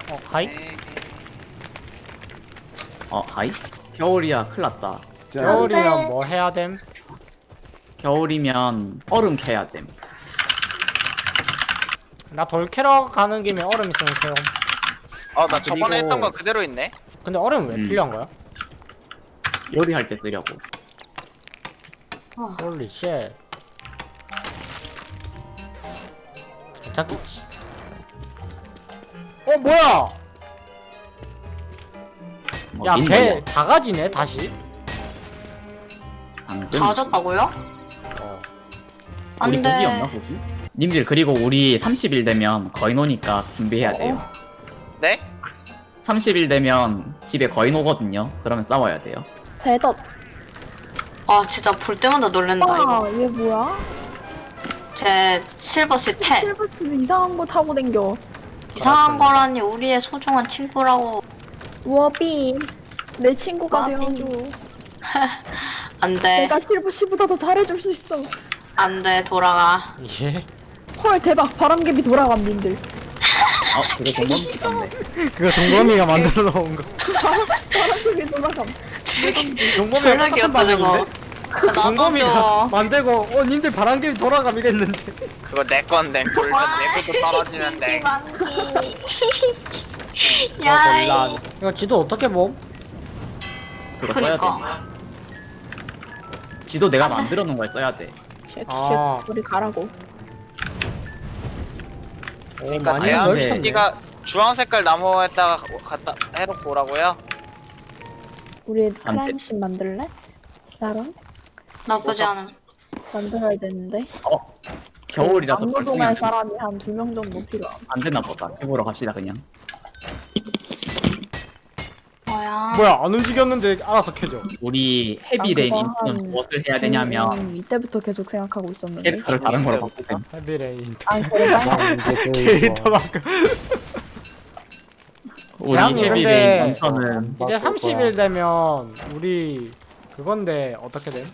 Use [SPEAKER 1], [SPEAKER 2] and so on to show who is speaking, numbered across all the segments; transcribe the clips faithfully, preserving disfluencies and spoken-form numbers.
[SPEAKER 1] 어, 하이?
[SPEAKER 2] 어 하이? 겨울이야 큰일났다.
[SPEAKER 1] 겨울이면 뭐 해야 됨?
[SPEAKER 2] 겨울이면 얼음 캐야 됨.
[SPEAKER 1] 나 돌 캐러 가는 김에 얼음 있으면 캐요.
[SPEAKER 3] 아 나
[SPEAKER 2] 아,
[SPEAKER 3] 저번에
[SPEAKER 2] 그리고-
[SPEAKER 3] 했던 거 그대로 있네.
[SPEAKER 1] 근데 얼음 왜
[SPEAKER 2] 음.
[SPEAKER 1] 필요한 거야?
[SPEAKER 2] 요리할 때 쓰려고.
[SPEAKER 1] 홀리 쉣. 괜찮겠지. 어 뭐야?
[SPEAKER 2] 뭐
[SPEAKER 1] 야
[SPEAKER 2] 민물이야.
[SPEAKER 1] 배 작아지네 다시.
[SPEAKER 2] 당근.
[SPEAKER 4] 작아졌다고요?
[SPEAKER 1] 어.
[SPEAKER 2] 우리
[SPEAKER 4] 안돼.
[SPEAKER 2] 고기 없나 고기? 님들 그리고 우리 삼십 일 되면 거인 오니까 준비해야 돼요.
[SPEAKER 3] 네?
[SPEAKER 2] 삼십 일 되면 집에 거인 오거든요. 그러면 싸워야 돼요.
[SPEAKER 5] 대덧.
[SPEAKER 4] 아 진짜 볼 때마다 놀랜다 이거.
[SPEAKER 5] 아, 얘 뭐야?
[SPEAKER 4] 제 실버씨 펫.
[SPEAKER 5] 실버스 이상한 거 타고 댕겨.
[SPEAKER 4] 이상한 거라니 우리의 소중한 친구라고.
[SPEAKER 5] 워비. 내 친구가
[SPEAKER 4] 워비.
[SPEAKER 5] 되어줘.
[SPEAKER 4] 안돼
[SPEAKER 5] 내가 실버씨보다 더 잘해줄 수 있어.
[SPEAKER 4] 안돼 돌아가.
[SPEAKER 1] 예?
[SPEAKER 5] 헐 대박. 바람개비 돌아감 님들.
[SPEAKER 2] 어 그거 동범 있던데.
[SPEAKER 1] 그거 동범이가 만들어 놓은 거.
[SPEAKER 5] 바람개비 돌아감.
[SPEAKER 1] 동범이가
[SPEAKER 4] 졸라
[SPEAKER 1] 똑같은
[SPEAKER 4] 귀엽다 저거.
[SPEAKER 1] 반응인데? 동범이가
[SPEAKER 4] 나도
[SPEAKER 1] 만들고 어 님들 바람개비 돌아감 이랬는데.
[SPEAKER 3] 그거 내 건데 돌면 내 것도 떨어지는데.
[SPEAKER 4] 야.
[SPEAKER 1] 곤란. 이거 지도 어떻게 봄?
[SPEAKER 2] 그거 써야 돼.
[SPEAKER 4] 그니까.
[SPEAKER 2] 지도 내가 만들어 놓은 걸 써야 돼.
[SPEAKER 5] 쟤,
[SPEAKER 1] 아.
[SPEAKER 5] 쟤, 우리 가라고.
[SPEAKER 1] 오
[SPEAKER 3] 그러니까
[SPEAKER 1] 많이
[SPEAKER 3] 대한
[SPEAKER 2] 넓혔네.
[SPEAKER 1] 넓혔네.
[SPEAKER 3] 씨가 주황 색깔 나무에다가 갖다 해놓고 오라고요.
[SPEAKER 5] 우리
[SPEAKER 2] 안 돼.
[SPEAKER 5] 크라임씬 만들래? 나랑?
[SPEAKER 4] 나쁘지 않음.
[SPEAKER 5] 만들어야 되는데.
[SPEAKER 2] 겨울이라서
[SPEAKER 5] 노동할
[SPEAKER 2] 벌통이
[SPEAKER 5] 사람이 한 두 명 정도 필요함.
[SPEAKER 2] 안 되나 보다. 해보러 갑시다 그냥.
[SPEAKER 4] 뭐야?
[SPEAKER 1] 뭐야 안 움직였는데 알아서 켜져.
[SPEAKER 2] 우리 헤비레인
[SPEAKER 5] 아, 그거
[SPEAKER 2] 인턴은
[SPEAKER 5] 한-
[SPEAKER 2] 무엇을 해야 되냐면
[SPEAKER 5] 음, 이때부터 계속 생각하고 있었는데.
[SPEAKER 2] 캐릭터를 다른 거로 바꾸세요.
[SPEAKER 1] 헤비레인.
[SPEAKER 5] 아 그래?
[SPEAKER 1] 캐릭터 막
[SPEAKER 2] 우리
[SPEAKER 1] 대학님,
[SPEAKER 2] 헤비레인
[SPEAKER 1] 근데
[SPEAKER 2] 인턴은
[SPEAKER 1] 이제 삼십 일 되면 우리 그건데 어떻게 됨?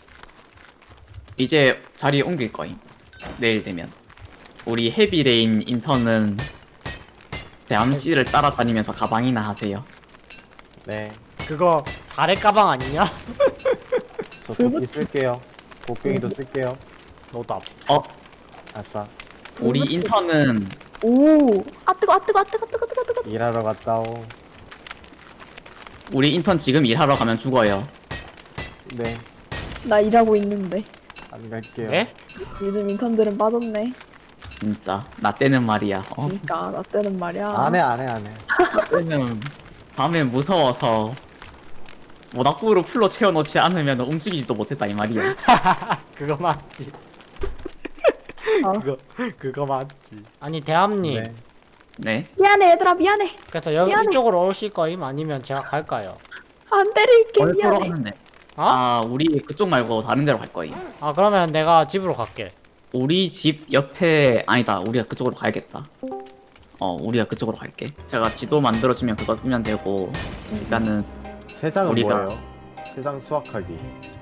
[SPEAKER 2] 이제 자리 옮길 거임. 내일 되면. 우리 헤비레인 인턴은 대암씨를 따라다니면서 가방이나 하세요.
[SPEAKER 6] 네,
[SPEAKER 1] 그거 사례 가방 아니냐?
[SPEAKER 6] 저 도끼 쓸게요. 곡괭이도 쓸게요.
[SPEAKER 1] 노답.
[SPEAKER 2] 어?
[SPEAKER 6] 아싸.
[SPEAKER 2] 우리 인턴은
[SPEAKER 5] 오. 아 뜨거, 아 뜨거, 아 뜨거, 뜨거, 뜨거, 뜨거.
[SPEAKER 6] 일하러 갔다 오.
[SPEAKER 2] 우리 인턴 지금 일하러 가면 죽어요.
[SPEAKER 6] 네,
[SPEAKER 5] 나 일하고 있는데.
[SPEAKER 6] 안 갈게요.
[SPEAKER 1] 네?
[SPEAKER 5] 요즘 인턴들은 빠졌네.
[SPEAKER 2] 진짜 나 때는 말이야. 어?
[SPEAKER 5] 그러니까 나 때는 말이야.
[SPEAKER 6] 안 해, 안 해, 안 해.
[SPEAKER 2] 나 때는 밤에 무서워서 모닥불로 풀로 채워놓지 않으면 움직이지도 못했다 이 말이야.
[SPEAKER 1] 그거 맞지.
[SPEAKER 5] 어?
[SPEAKER 1] 그거 그거 맞지. 아니 대함님.
[SPEAKER 6] 네.
[SPEAKER 2] 네.
[SPEAKER 5] 미안해 얘들아 미안해.
[SPEAKER 1] 그래서 여기
[SPEAKER 5] 미안해.
[SPEAKER 1] 이쪽으로 오실 거임 아니면 제가 갈까요?
[SPEAKER 5] 안 때릴게
[SPEAKER 2] 어느 쪽으로
[SPEAKER 5] 미안해.
[SPEAKER 2] 가는데?
[SPEAKER 1] 어?
[SPEAKER 2] 아 우리 그쪽 말고 다른 데로 갈 거임.
[SPEAKER 1] 아 그러면 내가 집으로 갈게.
[SPEAKER 2] 우리 집 옆에 아니다. 우리가 그쪽으로 가야겠다. 어 우리가 그쪽으로 갈게. 제가 지도 만들어주면 그거 쓰면 되고 일단은
[SPEAKER 6] 세장은
[SPEAKER 2] 우리가-
[SPEAKER 6] 뭐예요? 세장 수확하기.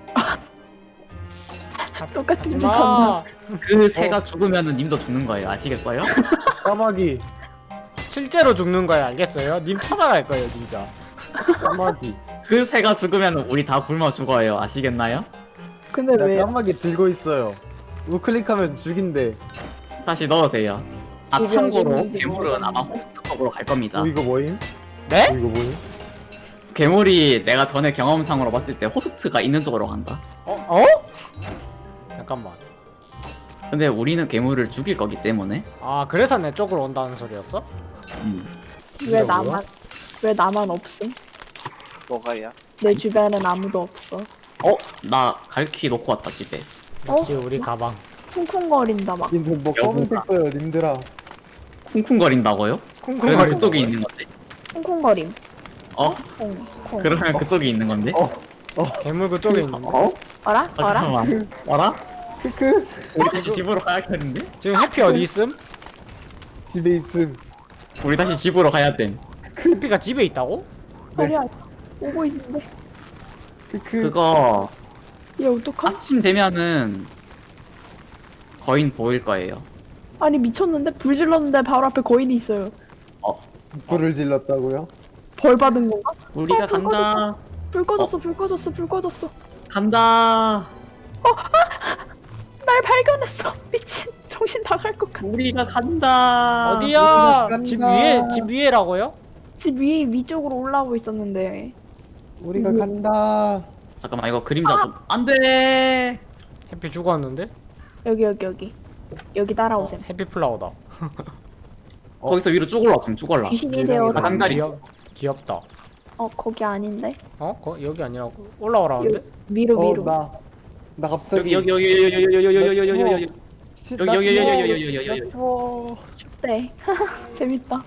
[SPEAKER 5] 똑같은 짓
[SPEAKER 1] 하지마.
[SPEAKER 5] 한다.
[SPEAKER 2] 그 새가 죽으면은 님도 죽는 거예요. 아시겠어요?
[SPEAKER 6] 까마귀,
[SPEAKER 1] 실제로 죽는 거예요 알겠어요? 님 찾아갈 거예요 진짜.
[SPEAKER 6] 까마귀.
[SPEAKER 2] 그 새가 죽으면 우리 다 굶어 죽어요. 아시겠나요?
[SPEAKER 5] 근데
[SPEAKER 6] 나
[SPEAKER 5] 왜?
[SPEAKER 6] 까마귀 들고 있어요. 우클릭하면 죽인대.
[SPEAKER 2] 다시 넣으세요. 아
[SPEAKER 5] 이게
[SPEAKER 2] 참고로
[SPEAKER 5] 어딘지
[SPEAKER 2] 괴물은
[SPEAKER 5] 모르겠네.
[SPEAKER 2] 아마 호스트 컵으로 갈 겁니다.
[SPEAKER 6] 오, 이거 뭐임?
[SPEAKER 1] 네?
[SPEAKER 6] 오, 이거 뭐임?
[SPEAKER 2] 괴물이 내가 전에 경험상으로 봤을 때 호스트가 있는 쪽으로 간다.
[SPEAKER 1] 어? 어? 잠깐만.
[SPEAKER 2] 근데 우리는 괴물을 죽일 거기 때문에
[SPEAKER 1] 아 그래서 내 쪽으로 온다는 소리였어?
[SPEAKER 2] 음.
[SPEAKER 5] 왜
[SPEAKER 6] 이거
[SPEAKER 5] 나만
[SPEAKER 6] 뭐야?
[SPEAKER 5] 왜 나만 없음?
[SPEAKER 3] 뭐가요?
[SPEAKER 5] 내 주변엔 아무도 없어.
[SPEAKER 2] 어? 나 갈퀴 놓고 왔다 집에.
[SPEAKER 1] 역시 우리 가방.
[SPEAKER 5] 쿵쿵거린다 막.
[SPEAKER 6] 님들 뭐 검은색 거요, 님들아.
[SPEAKER 2] 쿵쿵거린다고요? 그러면
[SPEAKER 1] 쿵쿵거리
[SPEAKER 2] 그쪽에 있는 건데.
[SPEAKER 5] 쿵쿵거림.
[SPEAKER 2] 어?
[SPEAKER 5] 콩 콩.
[SPEAKER 2] 그러면 그쪽에 있는 건데?
[SPEAKER 6] 어.
[SPEAKER 1] 괴물 그쪽에 있는데.
[SPEAKER 2] 어?
[SPEAKER 5] 어라? 어라?
[SPEAKER 2] 잠깐만. 알아?
[SPEAKER 6] 크크.
[SPEAKER 2] 우리 다시 집으로 가야겠는데?
[SPEAKER 1] 지금 해피 어디 있음?
[SPEAKER 6] 집에 있음.
[SPEAKER 2] 우리 다시 집으로 가야 됨.
[SPEAKER 1] 해피가 집에 있다고?
[SPEAKER 5] 어리야. 오고 있는데.
[SPEAKER 6] 크크.
[SPEAKER 2] 그거
[SPEAKER 5] 얘 어떡함?
[SPEAKER 2] 아침 되면은 거인 보일 거예요.
[SPEAKER 5] 아니 미쳤는데 불 질렀는데 바로 앞에 거인이 있어요.
[SPEAKER 2] 어?
[SPEAKER 6] 불을 질렀다고요?
[SPEAKER 5] 벌 받은 건가?
[SPEAKER 2] 우리가
[SPEAKER 5] 어, 불
[SPEAKER 2] 간다.
[SPEAKER 5] 불 꺼졌어 불 꺼졌어 불 꺼졌어.
[SPEAKER 2] 간다.
[SPEAKER 5] 날 발견했어. 미친 정신 나갈 것 같아.
[SPEAKER 2] 우리가 간다.
[SPEAKER 1] 어디야?
[SPEAKER 6] 우리가
[SPEAKER 1] 집
[SPEAKER 6] 간다.
[SPEAKER 1] 위에 집 위에라고요?
[SPEAKER 5] 집 위에 위쪽으로 올라오고 있었는데.
[SPEAKER 6] 우리가
[SPEAKER 5] 음.
[SPEAKER 6] 간다.
[SPEAKER 2] 잠깐만 이거 그림자 좀 안돼.
[SPEAKER 1] 해피 죽었는데?
[SPEAKER 5] 여기 여기 여기 여기
[SPEAKER 1] 어,
[SPEAKER 5] 따라오세요.
[SPEAKER 1] 해피 플라워다.
[SPEAKER 6] 어?
[SPEAKER 2] 거기서 위로 쭉 올라왔으면 쭉 올라.
[SPEAKER 5] 귀신이 되어.
[SPEAKER 6] 아,
[SPEAKER 2] 한 자리.
[SPEAKER 1] 귀엽, 귀엽다.
[SPEAKER 5] 어 거기 아닌데?
[SPEAKER 1] 어? 거, 여기 아니라고? 올라오라는데?
[SPEAKER 5] 위로
[SPEAKER 6] 어,
[SPEAKER 5] 위로.
[SPEAKER 6] 나, 나 갑자기.
[SPEAKER 2] 여기 여기 여기 여기 여기 여기 여기 여기 여기 여기
[SPEAKER 6] 시-
[SPEAKER 2] 여기,
[SPEAKER 6] 나
[SPEAKER 2] 여기,
[SPEAKER 6] 추워.
[SPEAKER 2] 여기, 여기, 여기, 여기,
[SPEAKER 6] 나
[SPEAKER 2] 여기.
[SPEAKER 6] 추워.
[SPEAKER 5] 춥대. 재밌다.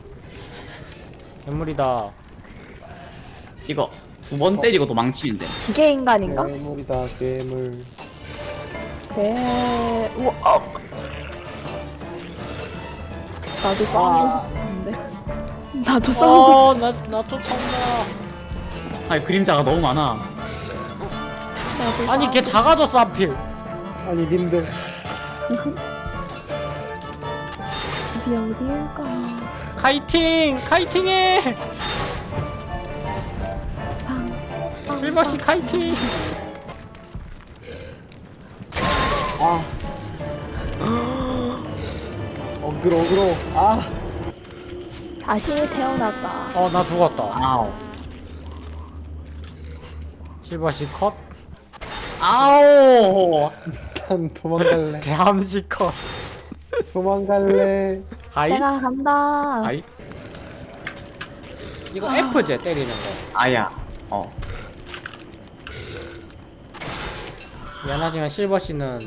[SPEAKER 1] 괴물이다.
[SPEAKER 2] 이거 두 번 때리고 도망치는데.
[SPEAKER 5] 기계 인간인가?
[SPEAKER 6] 괴물이다, 괴물.
[SPEAKER 5] 개. 우와. 어. 나도 싸우고 싶은데. 나도 싸우고
[SPEAKER 1] 어, 나, 나 쫓아온다.
[SPEAKER 2] 아니 그림자가 너무 많아.
[SPEAKER 5] 싶. 나도
[SPEAKER 1] 아니, 걔 작아졌어, 하필.
[SPEAKER 6] 아니, 님들.
[SPEAKER 5] 어디 어디일까?
[SPEAKER 1] 카이팅! 카이팅해! 실버씨 카이팅!
[SPEAKER 6] 아. 어그로, 어그로. 아.
[SPEAKER 5] 다시 태어났다.
[SPEAKER 1] 어, 나 죽었다.
[SPEAKER 2] 아우.
[SPEAKER 1] 실버씨 컷?
[SPEAKER 2] 아우.
[SPEAKER 6] 난 도망갈래.
[SPEAKER 1] 대함씨 컷.
[SPEAKER 6] 도망갈래.
[SPEAKER 1] 하이?
[SPEAKER 5] 내가 간다.
[SPEAKER 2] 아이.
[SPEAKER 1] 이거 F제 때리는 거.
[SPEAKER 2] 아야. 어.
[SPEAKER 1] 미안하지만 실버씨는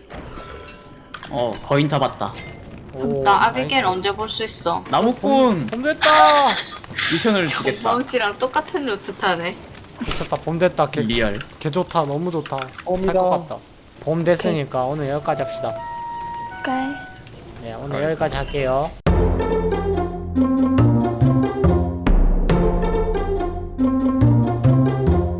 [SPEAKER 2] 어 거인 잡았다.
[SPEAKER 1] 오,
[SPEAKER 4] 나 아비게일
[SPEAKER 1] 나이스.
[SPEAKER 4] 언제 볼 수 있어?
[SPEAKER 2] 나무꾼
[SPEAKER 1] 봄 됐다!
[SPEAKER 2] 미션을 주겠다.
[SPEAKER 4] 멍치랑 똑같은 루트 타네.
[SPEAKER 1] 미쳤다. 봄 됐다. 개,
[SPEAKER 2] 리얼.
[SPEAKER 1] 개 좋다. 너무 좋다.
[SPEAKER 6] 봄이다.
[SPEAKER 1] 살 것 같다. 봄 됐으니까 오늘 여기까지 합시다.
[SPEAKER 5] 오케이.
[SPEAKER 1] 네, 오늘 여기까지 할게요.